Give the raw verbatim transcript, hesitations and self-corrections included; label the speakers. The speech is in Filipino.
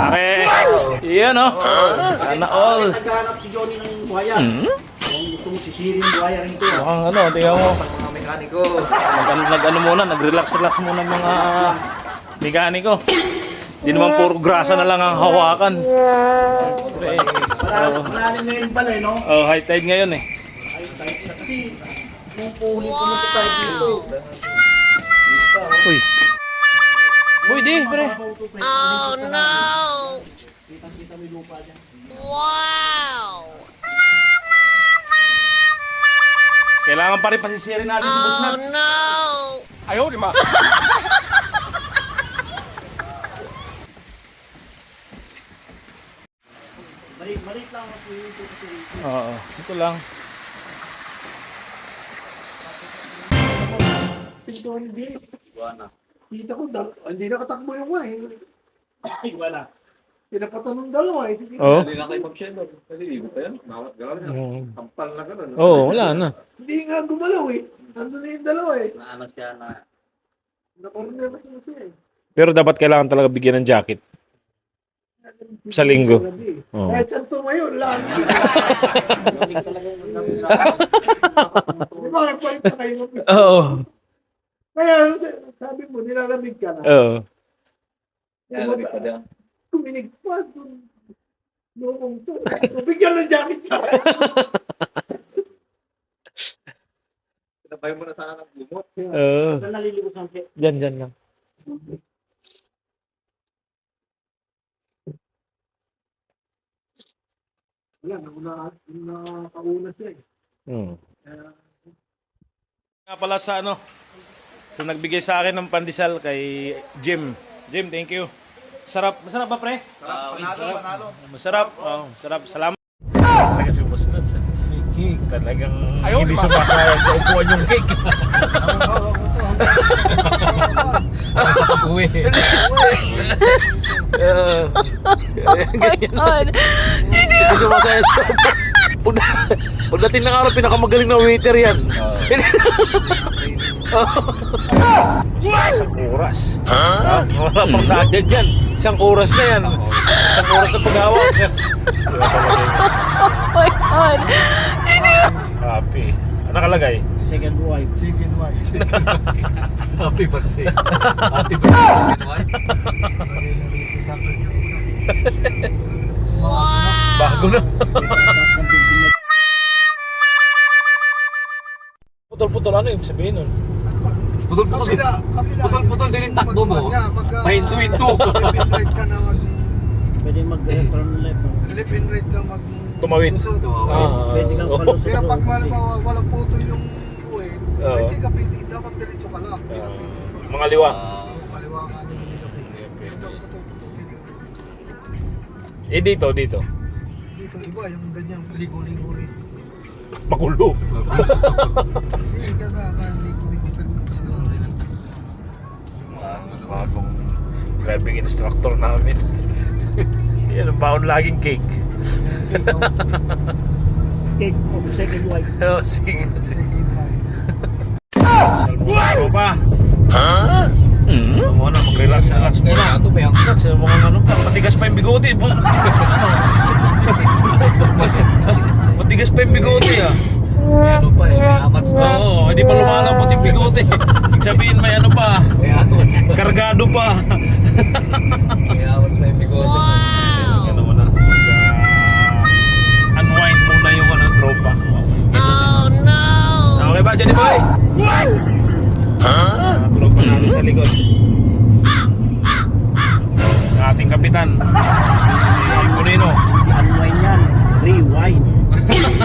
Speaker 1: Pare, iyan o. Sana all.
Speaker 2: Naghahanap si Johnny ng buhaya.
Speaker 1: Hmm?
Speaker 2: Kung gusto mo sisirin yung buhaya rin ito.
Speaker 1: Mukhang ano, tingnan mo.
Speaker 3: Mga mekaniko.
Speaker 1: Nag, nag ano muna, nag-relax-relax muna mga mekaniko. Di naman puro grasa na lang ang hawakan. Siyempre,
Speaker 2: Malalim malalim ngayon pala eh, no?
Speaker 1: oh, high tide ngayon eh.
Speaker 2: Ay, kahit na kasi nung puhuli pumunta tayo dito.
Speaker 1: Uy. Uy, di, pre.
Speaker 2: Oh no! Kitang-kita mo yung lupa dyan.
Speaker 1: Kailangan pa rin pasisirin natin si Boss Nats.
Speaker 3: Ayaw, di ma.
Speaker 2: Balik-balik lang ako dito kasi.
Speaker 1: Oo, ito lang.
Speaker 2: Pinto hindi. Kita ko, dal- hindi nakatakbo yung wine. Ay, wala. Pinapatanong dalawa eh.
Speaker 1: Oo.
Speaker 3: Hindi na kayo mag-share. Kasi hindi pa yan. Bawat gawin na.
Speaker 1: Oo.
Speaker 3: Kampal na ka na.
Speaker 1: Oo, wala na.
Speaker 2: Hindi nga gumalaw eh. Nandun na yung dalawa eh.
Speaker 3: Naano siya na.
Speaker 2: Na-corner na siya siya eh.
Speaker 1: Pero dapat kailangan talaga bigyan ng jacket. Sa linggo. Oo.
Speaker 2: Kahit saan tumayo, lang. Di ba, nagpalit na kayo.
Speaker 1: Oo.
Speaker 2: Kaya sabi mo, nilalamig ka na.
Speaker 1: Oo.
Speaker 3: Kaya labi pa dyan.
Speaker 2: Kuminig pa. Noong to. Bigyan ng jacket siya.
Speaker 3: Pinabay mo na sana ng lumot.
Speaker 1: Oo.
Speaker 2: Saan nalilibos ang kaya?
Speaker 1: Diyan, diyan lang.
Speaker 2: Wala, nauna, nakauna siya eh.
Speaker 1: Hmm.
Speaker 2: Kaya,
Speaker 1: Nga pala sa ano, sa nagbigay sa akin ng pandesal kay Jim. Jim, thank you. Sarap. Masarap ba, pre?
Speaker 3: Panalo, panalo.
Speaker 1: Masarap. Oh, masarap. Salamat. Talaga si Boss Nats. Cake. Talagang hindi sumasayang sa upuan yung cake. Uwi. Ganyan. Hindi sumasayang sa upuan. Pagdating ng araw, pinakamagaling na waiter yan. Isang oras. Ah, wala pang sayang yan. Isang oras na yan. Isang oras na paghawak.
Speaker 4: Oh my God!
Speaker 1: Happy. Ano nakalagay?
Speaker 2: second wife. Second wife.
Speaker 3: Happy birthday. Happy birthday.
Speaker 1: Bago na. Putol-putol, ano yung sabihin nun?
Speaker 3: Putol-putol.
Speaker 2: Kabila, kabila.
Speaker 3: Putol-putol din yung takbo mo. Pahinto-hinto.
Speaker 2: Live and right ka na mag... Pwede mag-turn left. Live and right ka mag...
Speaker 1: Tumawid.
Speaker 2: Lusot.
Speaker 1: Ah,
Speaker 2: Pwede kang
Speaker 1: oo.
Speaker 2: palusot.
Speaker 5: Pero pag malamang walang putol yung buhay,
Speaker 1: Oo.
Speaker 5: hindi ka pwede, dapat diretso ka lang. Hindi ka
Speaker 1: Ah,
Speaker 5: pwede.
Speaker 1: mga liwa.
Speaker 5: Oo, kaliwa ka na hindi ka pwede. Pero pag putol-putol, hindi ka pwede.
Speaker 1: Eh dito, dito.
Speaker 5: Dito, iba, yung ganyan, ligo-ligo rin.
Speaker 1: Magulo.
Speaker 5: Hindi ka ba, ka ligo-ligo permission.
Speaker 1: Bagong driving instructor namin. Yan ang baon laging cake.
Speaker 2: Cake of second wife.
Speaker 1: Oh, sige.
Speaker 5: Second wife.
Speaker 1: Salmo pa. Ha? Hmm? Ano muna, mag-relax, relax muna.
Speaker 3: Ito ba yung
Speaker 1: Relax, mga ano pa, matigas pa yung bigote. Bu- Ano? Matigas pa yung bigote ah.
Speaker 3: ano pa eh. May amats pa.
Speaker 1: Oo, hindi pa lumalabot yung bigote. Ibig sabihin may ano pa,
Speaker 3: May amats pa.
Speaker 1: kargado pa.
Speaker 3: May amats pa yung bigote.
Speaker 1: Ano muna, mag uh, unwind muna yung ano, tropa.
Speaker 4: Oh no!
Speaker 1: Okay ba, Johnny Boy? Huh? Tropa natin sa likod. Ang ating kapitan, si Bonino.
Speaker 2: Unwind yan. Rewind.